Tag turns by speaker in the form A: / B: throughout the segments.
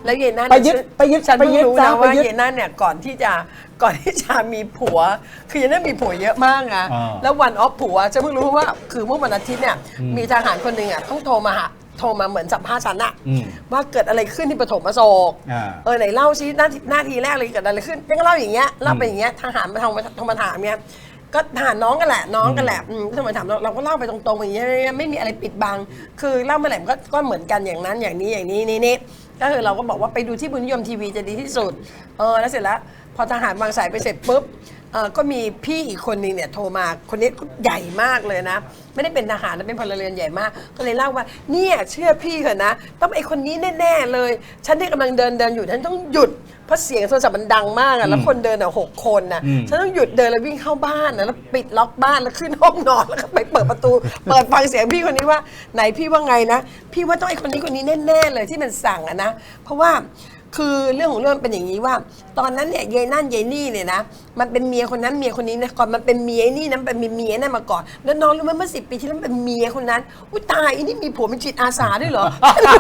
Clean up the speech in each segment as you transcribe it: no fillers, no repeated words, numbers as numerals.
A: แล้วเยนั่น
B: ไปยึด
A: ฉันเพิ่งรู้นะว่า
B: ไปยึด
A: เยนั่นเนี่ยก่อนที่จะมีผัวคือเยนั่นมีผัวเยอะมากนะแล้ววันออฟผัวจะเพิ่งรู้ว่าคือเมื่อวันอาทิตย์เนี่ยมีทหารคนหนึ่งอ่ะต้องโทรมาเหมือนสัมภาษณ์ฉันอะว่าเกิดอะไรขึ้นที่ปฐมอโศกไหนเล่าซิหน้าทีแรกเลยเกิดอะไรขึ้นยังเล่าอย่างเงี้ยเล่าไปอย่างเงี้ยทหารมาโทรมาถามเนี่ยก็ถามน้องกันแหละทำไมถามเราก็เล่าไปตรงๆอย่างเงี้ยไม่มีอะไรปิดบังคือเล่าเมื่อไหร่ก็เหมือนกันอย่างนั้นอย่างนี้นี่ก็คือเราก็บอกว่าไปดูที่บุญนิยมทีวีจะดีที่สุดแล้วเสร็จแล้วพอทหารวางสายไปเสร็จปุ๊บก็มีพี่อีกคนนึงเนี่ยโทรมาคนนี้ใหญ่มากเลยนะไม่ได้เป็นทหารนะเป็นพลเรือนใหญ่มากก็เลยเล่าว่าเนี่ยเชื่อพี่เถอะนะต้องไอ้คนนี้แน่ๆเลยฉันที่กำลังเดินอยู่ฉันต้องหยุดเพราะเสียงโทรศัพท์มันดังมากอะแล้วคนเดิน6 คนนะฉันต้องหยุดเดินแล้ววิ่งเข้าบ้านนะแล้วปิดล็อกบ้านแล้วขึ้นห้องนอนแล้วก็ไปเปิดประตูเปิดฟังเสียงพี่คนนี้ว่าไหนพี่ว่าไงนะพี่ว่าต้องไอ้คนนี้แน่ๆเลยที่มันสั่งอะนะเพราะว่าคือเรื่องของเรื่องเป็นอย่างนี้ว่าตอนนั้นเนี่ยยายนั่นยายนี่เนี่ยนะมันเป็นเมียคนนั้นเมียคนนี้นะก่อนมันเป็นเมียนี่นั้นเป็นเมียนั่นมาก่อนแล้วน้องรู้ไหมเมื่อ10 ปีที่แล้วเป็นเมียคนนั้นอุ้ยตายอันนี้มีผัวเป็นจิตอาสาด้วยเหรอ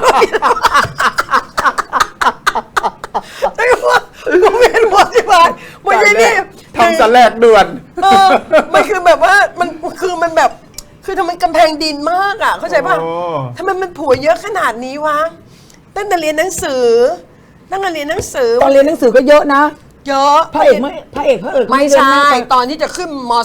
A: แต่ว่าผมเห็นหมดที่บ้านมันยายนี่
B: ทำสแลกด่วน
A: มันคือแบบว่ามันแบบคือทำไมกำแพงดินมากอ่ะเข้าใจป่ะทำไมมันผัวเยอะขนาดนี้วะตั้งแต่เรียนหนังสือตอนเรียนหนังสือ
B: ก็เยอะนะ
A: เยอะ
B: พระเอก
A: ไม่ใช่ตอนที่จะขึ้นม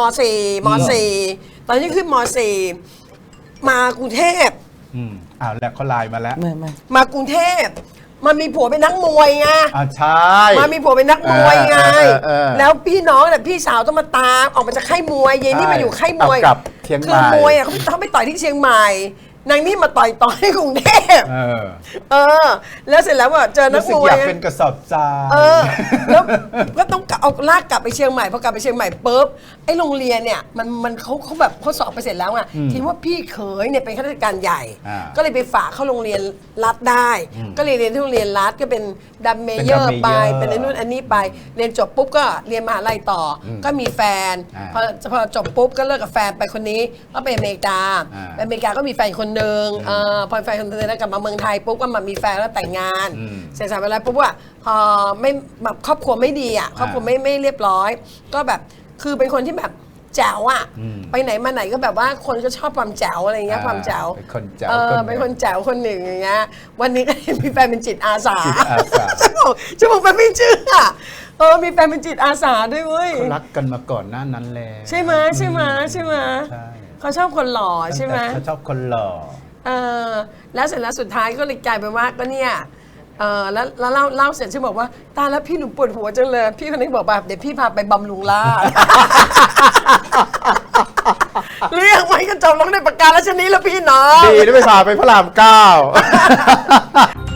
A: .4 ตอนที่ขึ้นม.4 มากรุงเทพ
B: แล้วเขาไลน์มาแล้ว
A: มากรุงเทพมันมีผัวเป็นนักมวยไง
B: ใช่
A: มามีผัวเป็นนักมวยไงแล้วพี่น้องเนี่ยพี่สาวต้องมาตามออกมาจากค่ายมวยเย็นนี่มาอยู่ค่ายมวยคือมวยเขาไปต่อยที่เชียงใหม่นางนี่มาต่อยที่กรุงเทพแล้วเสร็จแล้วเจอนักมวย
B: อยากเป็นกระสอบทราย
A: แล้วก็ต้องเอาลากกลับไปเชียงใหม่พอกลับไปเชียงใหม่ปุ๊บไอ้โรงเรียนเนี่ยมันเขาแบบเขาสอบไปเสร็จแล้วไงคิดว่าพี่เขยเนี่ยเป็นข้าราชการใหญ่ก็เลยไปฝากเข้าโรงเรียนรัฐได้ก็เลยเรียนที่โรงเรียนรัฐก็เป็นดัมเมเยอร์ไปเป็นนู่นอันนี้ไปเรียนจบปุ๊บก็เรียนมหาลัยต่อก็มีแฟนพอจบปุ๊บก็เลิกกับแฟนไปคนนี้ก็ไปอเมริกาไปอเมริกาก็มีแฟนคนหนึ่งพอแฟนคนนึงแล้วกลับมาเมืองไทยปุ๊บก็มามีแฟนแล้วแต่งงานเสร็จสับเวลาปุ๊บว่าพอไม่แบบครอบครัวไม่ดีอ่ะครอบครัวไม่เรียบร้อยก็แบบคือเป็นคนที่แบบแจ๋วอ่ะไปไหนมาไหนก็แบบว่าคนก็ชอบความแจ๋วอะไรเงี้ยความแจ๋ว
B: เป็นคนแจ๋ว
A: เป็นคนแจ๋วคนหนึ่งอย่างเงี้ยวันนี้ก็มีแฟนเป็นจิตอาสาจะบอกไปไม่เชื่อมีแฟนเป็นจิตอาสาด้วยเว้ย
B: เขารักกันมาก่อนหน้านั้นแล้ว
A: ใช่ไหมเขาชอบคนหล่อใช่ไหม
B: เขาชอบคนหล่อ
A: แล้วเสร็จแล้วสุดท้ายก็เลยกลายเป็นว่าก็เนี่ยแล้วเล่าเสร็จฉันบอกว่าตายแล้วพี่หนูปวดหัวจังเลยพี่คนนี้บอกแบบเดี๋ยวพี่พาไปบำรุงราษฎร์เรียกไว้ก็จบลงในปากกาแล้วชนี้แล้วพี่น้อง
B: ดีได้ไปพาไปพระราม 9